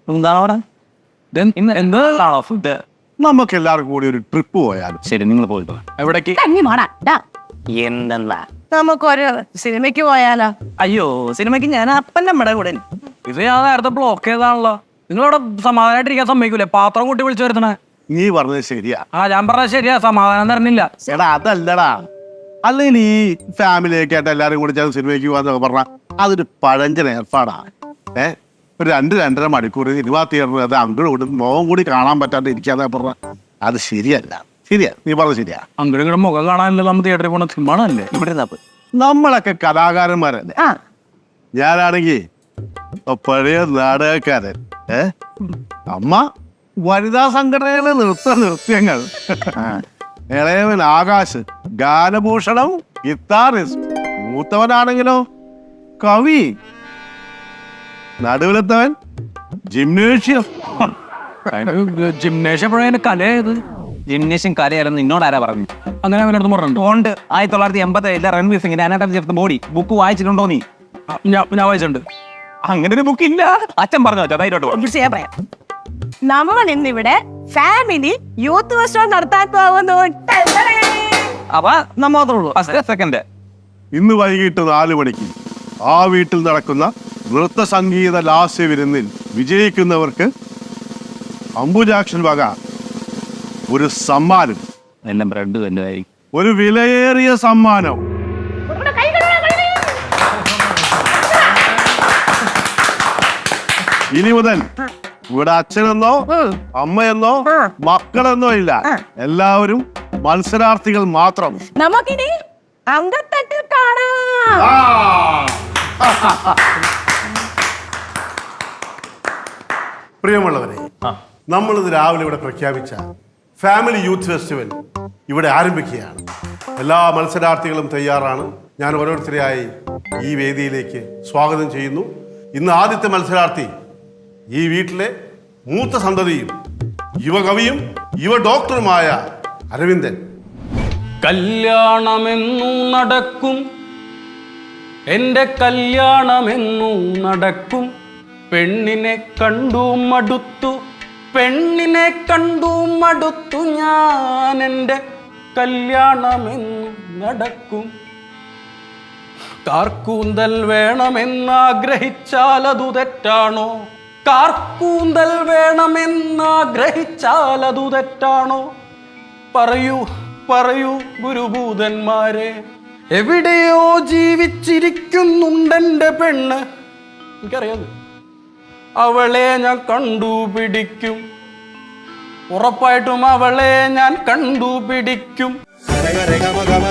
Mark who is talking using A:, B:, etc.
A: എന്താണ് പറയാ എന്താണോ ഫുഡ്?
B: നമുക്ക് എല്ലാവർക്കും കൂടി ഒരു ട്രിപ്പ് പോയാലും.
A: ശരി, നിങ്ങൾ പോയിട്ട് എവിടേക്ക്? എന്തെന്നാ
C: നമുക്കൊരു സിനിമയ്ക്ക് പോയാലോ?
A: അയ്യോ, സിനിമയ്ക്ക് ഞാൻ അപ്പൻ്റെ അമ്മയുടെ കൂടെ. ഇത് ഞാൻ നേരത്തെ ബ്ലോക്ക് ചെയ്താണല്ലോ. നിങ്ങളവിടെ സമാധാനമായിട്ടിരിക്കാൻ സമ്മതിക്കൂലേ? പാത്രം കൂട്ടി വിളിച്ചു വരുത്തണേ.
B: നീ പറഞ്ഞത് ശരിയാ.
A: ഞാൻ പറഞ്ഞത് ശരിയാ, സമാധാനം തരണില്ല.
B: എടാ അതല്ലടാ, അല്ലെങ്കിൽ ഈ ഫാമിലിയൊക്കെ ആയിട്ട് എല്ലാരും കൂടി ചേർന്ന് സിനിമയ്ക്ക് പോകാന്നൊക്കെ പറഞ്ഞാൽ അതൊരു പഴഞ്ചൻ ഏർപ്പാടാ. ഒരു 2-2.5 മണിക്കൂർ സിനിമാ തിയേറ്ററിൽ അത് അങ്ങോട്ടും ഇങ്ങോട്ടും മുഖം കൂടി കാണാൻ പറ്റാണ്ട് ഇരിക്കാതെ പറഞ്ഞ അത് ശരിയല്ല. ശരിയാ, നീ പറഞ്ഞത് ശരിയാ.
A: അങ്ങോട്ടും ഇങ്ങോട്ടും മുഖം കാണാനല്ലേ നമ്മൾ തിയേറ്ററിൽ പോണ സിനിമയാണല്ലേ? ഇവിടെ
B: നമ്മളൊക്കെ കലാകാരന്മാരല്ലേ. ഞാനാണെങ്കിൽ പഴയ നാടകക്കാരൻ. അമ്മ വനിതാ സംഘടനയിലെ നൃത്യങ്ങൾ. ഇളയവൻ ആകാശ് ഗാനഭൂഷണം, ഗിത്താറിസ്റ്റ്. മൂത്തവനാണെങ്കിലോ കവി. നടുവിലെത്തവൻ ജിംനേഷ്യം.
A: ജിംനേഷ്യം എപ്പോഴാണ് കലയത്? ജിംനേഷ്യം കലയായിരുന്നു നിന്നോട് ആരാ പറഞ്ഞു? അങ്ങനെ അവനടുത്ത് പറഞ്ഞിട്ടുണ്ട്. 1987 രൺവീർ സിംഗിന്റെ anatomy of the body book വായിച്ചിട്ടുണ്ടോ നീ? ഞാൻ വായിച്ചിട്ടുണ്ട്. അങ്ങനെ ഒരു ബുക്ക് ഇല്ല, അച്ഛൻ പറഞ്ഞു വെച്ചാ. ധൈര്യമായിട്ട്
C: നമ്മൾ ഇന്നിവിടെ ഫാമിലി യൂത്ത് ഫെസ്റ്റിവൽ നടത്താൻ പോകുന്നു.
A: അപ്പൊ നമ്മ മാത്രമേ ഉള്ളൂ. സെക്കൻഡ്
B: ഇന്ന് വൈകിട്ട് 4 മണിക്ക് ആ വീട്ടിൽ നടക്കുന്ന നൃത്ത സംഗീത ലാസ്യ വിരുന്നിൽ വിജയിക്കുന്നവർക്ക് അംബുജാക്ഷൻ വക ഒരു സമ്മാനം.
A: എല്ലാം ബ്രെഡ് തന്നെ.
B: ഒരു വിലയേറിയ സമ്മാനം. ഇനി മുതൽ ഇവിടെ അച്ഛനെന്നോ അമ്മയെന്നോ മക്കളെന്നോ ഇല്ല, എല്ലാവരും മത്സരാർത്ഥികൾ മാത്രം.
C: നമുക്കിനി അങ്കത്തട്ടിൽ കാണാം.
B: പ്രിയമുള്ളവരെ, നമ്മളിത് രാവിലെ ഇവിടെ പ്രഖ്യാപിച്ച ഫാമിലി യൂത്ത് ഫെസ്റ്റിവൽ ഇവിടെ ആരംഭിക്കുകയാണ്. എല്ലാ മത്സരാർത്ഥികളും തയ്യാറാണ്. ഞാൻ ഓരോരുത്തരെയായി ഈ വേദിയിലേക്ക് സ്വാഗതം ചെയ്യുന്നു. ഇന്ന് ആദ്യത്തെ മത്സരാർത്ഥി ഈ വീട്ടിലെ മൂത്ത സന്തതിയും യുവകവിയും യുവ ഡോക്ടറുമായ അരവിന്ദൻ.
D: കല്യാണമെന്നു നടക്കും, എൻ്റെ കല്യാണമെന്നു നടക്കും. പെണ്ണിനെ കണ്ടു മടുത്തു, പെണ്ണിനെ കണ്ടു മടുത്തു ഞാൻ. എൻ്റെ കല്യാണമെന്നു നടക്കും. കാർക്കൂന്തൽ വേണമെന്നാഗ്രഹിച്ചാൽ അതു തെറ്റാണോ? കാർക്കൂന്തൽ വേണമെന്നാഗ്രഹിച്ചാൽ അതു തെറ്റാണോ? പറയൂ പറയൂ ഗുരുഭൂതന്മാരെ, എവിടെയോ ജീവിച്ചിരിക്കുന്നുണ്ടെൻ്റെ പെണ്ണ്. എനിക്കറിയാം, അവളെ ഞാൻ കണ്ടുപിടിക്കും. ഉറപ്പായിട്ടും അവളെ ഞാൻ കണ്ടുപിടിക്കും.